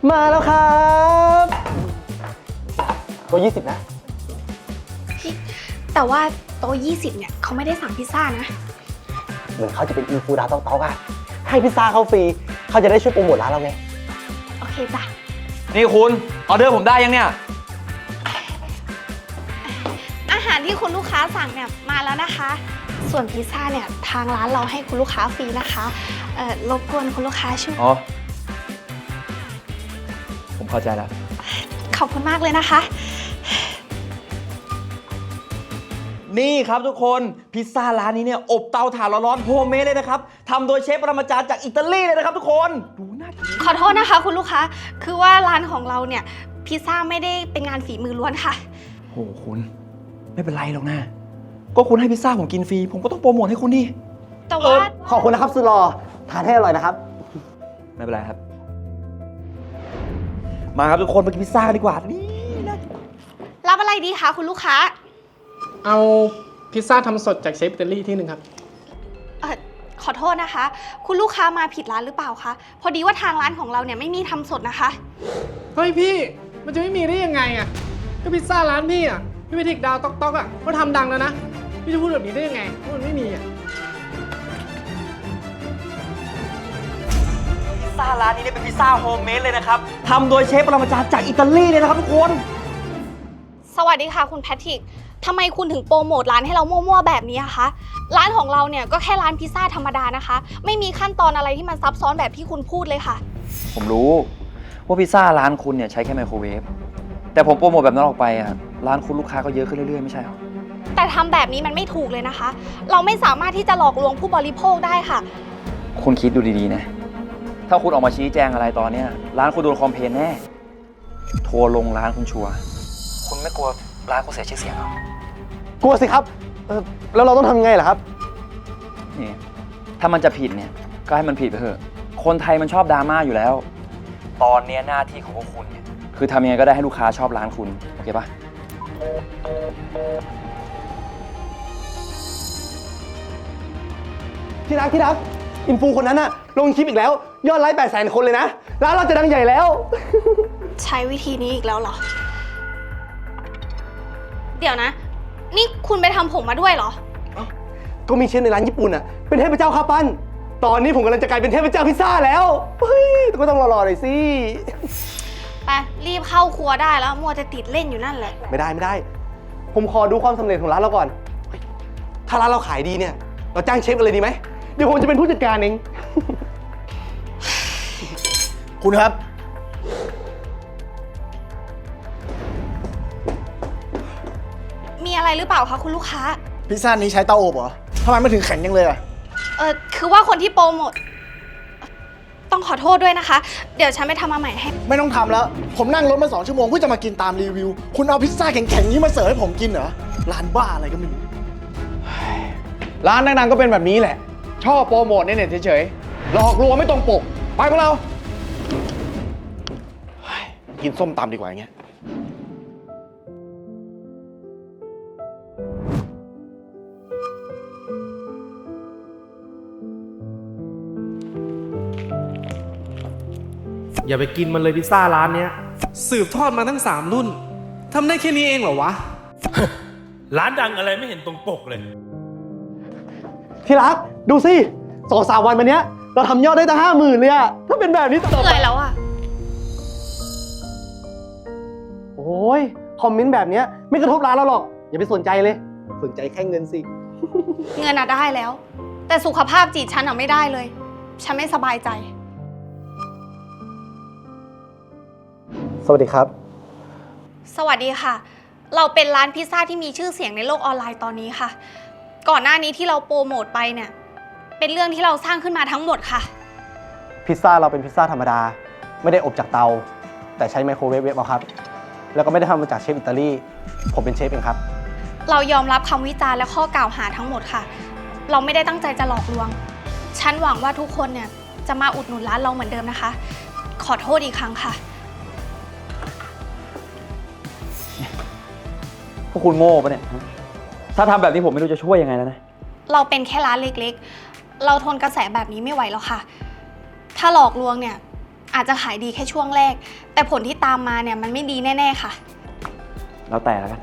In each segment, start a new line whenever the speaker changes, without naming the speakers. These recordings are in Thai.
มาแล้วครับตัว20นะ
แต่ว่าโต๊ะ20เนี่ยเขาไม่ได้สั่งพิซซ่านะ
เหมือนเขาจะเป็นอินฟูดาวต๊อกอะให้พิซซ่าเขาฟรีเขาจะได้ช่วยโปรโมทร้านเราไง
โอเคจ้ะ
นี่คุณออเดอร์ผมได้ยังเนี่ย
อาหารที่คุณลูกค้าสั่งเนี่ยมาแล้วนะคะ ส่วนพิซซ่าเนี่ยทางร้านเราให้คุณลูกค้าฟรีนะคะรบกวนคุณลูกค้าช่วย
อ๋อผมเข้าใจแล้ว
ขอบคุณมากเลยนะคะ
นี่ครับทุกคนพิซซ่าร้านนี้เนี่ยอบเตาถ่านร้อนๆโฮมเมดเลยนะครับทำโดยเชฟปรมาจารย์จากอิตาลีเลยนะครับทุกคนดูน่ากิน
ขอโทษนะคะคุณลูกค้าคือว่าร้านของเราเนี่ยพิซซ่าไม่ได้เป็นงานฝีมือล้วนค่ะ
โอ้คุณไม่เป็นไรหรอกนะก็คุณให้พิซซ่าผมกินฟรีผมก็ต้องโปรโมทให้คุณดิ
แต่ว่า
ขอบคุณนะครับสุดหล่อทานให้อร่อยนะครับ
ไม่เป็นไรครับมาครับทุกคนมากินพิซซ่ากันดีกว่านี่นะ
รับอะไรดีคะคุณลูกค้า
เอาพิซซ่าทำสดจากเชฟอิตาลีที่หนึ่งครับ
ขอโทษนะคะคุณลูกค้ามาผิดร้านหรือเปล่าคะพอดีว่าทางร้านของเราเนี่ยไม่มีทำสดนะคะ
เฮ้ยพี่มันจะไม่มีได้ยังไงอ่ะก็พิซซ่าร้านพี่อ่ะพี่ไปทิกดาวต๊อกอ่ะเขาทำดังแล้วนะพี่จะพูดแบบนี้ได้ยังไงเพราะมันไม่มีอ่ะ
พิซซ่าร้านนี้เนี่ยเป็นพิซซ่าโฮมเมดเลยนะครับทำโดยเชฟปรมาจารย์จากอิตาลีเลยนะครับทุกคน
สวัสดีค่ะคุณแพทริกทำไมคุณถึงโปรโมทร้านให้เรามั่วๆแบบนี้อะคะร้านของเราเนี่ยก็แค่ร้านพิซซ่าธรรมดานะคะไม่มีขั้นตอนอะไรที่มันซับซ้อนแบบที่คุณพูดเลยค่ะ
ผมรู้ว่าพิซซ่าร้านคุณเนี่ยใช้แค่ไมโครเวฟแต่ผมโปรโมทแบบนั้นออกไปอ่ะร้านคุณลูกค้าก็เยอะขึ้นเรื่อยๆไม่ใช่หรอ
แต่ทำแบบนี้มันไม่ถูกเลยนะคะเราไม่สามารถที่จะหลอกลวงผู้บริโภคได้ค่ะ
คุณคิดดูดีๆนะถ้าคุณออกมาชี้แจงอะไรตอนเนี้ยร้านคุณโดนคอมเพลนแน่ทัวร์ลงร้านคุณชัวร์คุณไม่กลัวร้านคุณเสียชื่อเสียงหร
กลัวสิครับแล้วเราต้องทำไงล่ะครับ
นี่ถ้ามันจะผิดเนี่ยก็ให้มันผิดไปเถอะคนไทยมันชอบดราม่าอยู่แล้วตอนนี้หน้าที่ของพวกคุณเนี่ยคือทำยังไงก็ได้ให้ลูกค้าชอบร้านคุณโอเคปะ
ที่รักอินฟูคนนั้นอะลงคลิปอีกแล้วยอดไลค์800,000 คนเลยนะร้านเราจะดังใหญ่แล้ว
ใช้วิธีนี้อีกแล้วเหรอเดี๋ยวนะนี่คุณไปทำผมมาด้วยเหรอ
ก็มีเชฟในร้านญี่ปุ่นอะเป็นเทพเจ้าข้าวปั้นตอนนี้ผมกำลังจะกลายเป็นเทพเจ้าพิซซ่าแล้วเฮ้ยก็ต้องรอหน่อยสิ
ไปรีบเข้าครัวได้แล้วมัวจะติดเล่นอยู่นั่นแหละ
ไม่ได้ผมขอดูความสำเร็จของร้านเราก่อนถ้าร้านเราขายดีเนี่ยเราจ้างเชฟกันเลยดีไหมเดี๋ยวผมจะเป็นผู้จัดการเองคุณครับ
มีอะไรหรือเปล่าคะคุณลูกค้า
พิซซ่านี้ใช้เตาอบเหรอทำไมไม่ถึงแข็งยังเลยอะ
คือว่าคนที่โปรโมทต้องขอโทษด้วยนะคะเดี๋ยวฉันไปทำมาใหม่ให้
ไม่ต้องทำแล้วผมนั่งรถมา2 ชั่วโมงเพื่อจะมากินตามรีวิวคุณเอาพิซซ่าแข็งๆนี้มาเสิร์ฟให้ผมกินเหรอร้านบ้าอะไรก็ไม่รู้ร้านดังๆก็เป็นแบบนี้แหละชอบโปรโมทในเน็ตเฉยๆหลอกลวงไม่ตรงปกไปพวกเรากินส้มตำดีกว่าอย่างเงี้ย
อย่าไปกินมันเลยพิซซ่าร้านเนี้ยสืบทอดมาทั้ง3 รุ่นทำได้แค่นี้เองเหรอวะ
ร้านดังอะไรไม่เห็นตรงปกเลย
ที่รักดูสิ2-3 วันมาเนี้ยเราทำยอดได้ตั้ง50,000เลยอะถ้าเป็นแบบนี้ต่อไป
เหนื่อยแล้วอะ
โอ้ยคอมเมนต์แบบเนี้ยไม่กระทบร้านเราหรอกอย่าไปสนใจเลยสนใจแค่เงินสิ
เงินอะได้แล้วแต่สุขภาพจิตฉันอะไม่ได้เลยฉันไม่สบายใจ
สวัสดีครับ
สวัสดีค่ะเราเป็นร้านพิซซ่าที่มีชื่อเสียงในโลกออนไลน์ตอนนี้ค่ะก่อนหน้านี้ที่เราโปรโมทไปเนี่ยเป็นเรื่องที่เราสร้างขึ้นมาทั้งหมดค่ะ
พิซซ่าเราเป็นพิซซ่าธรรมดาไม่ได้อบจากเตาแต่ใช้ไมโครเวฟเอาครับแล้วก็ไม่ได้ทำมาจากเชฟอิตาลีผมเป็นเชฟเองครับ
เรายอมรับคำวิจารณ์และข้อกล่าวหาทั้งหมดค่ะเราไม่ได้ตั้งใจจะหลอกลวงฉันหวังว่าทุกคนเนี่ยจะมาอุดหนุนร้านเราเหมือนเดิมนะคะขอโทษอีกครั้งค่ะ
พวกคุณโง่ปะเนี่ยถ้าทำแบบนี้ผมไม่รู้จะช่วยยังไงแล้วนะ
เราเป็นแค่ร้านเล็กๆเราทนกระแสแบบนี้ไม่ไหวแล้วค่ะถ้าหลอกลวงเนี่ยอาจจะขายดีแค่ช่วงแรก แต่ผลที่ตามมาเนี่ยมันไม่ดีแน่ๆค่ะ
แล้วแต่แล้วกัน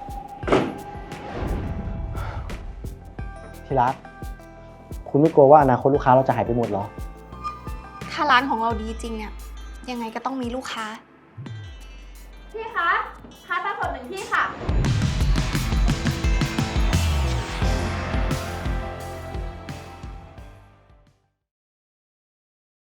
ที่รัก คุณไม่กลัวว่าอนาคตลูกค้าเราจะหายไปหมดเหรอ
ถ้าร้านของเราดีจริงเนี่ยยังไงก็ต้องมีลูกค้า
พี่คะพาสปลาสด1 ที่ค่ะ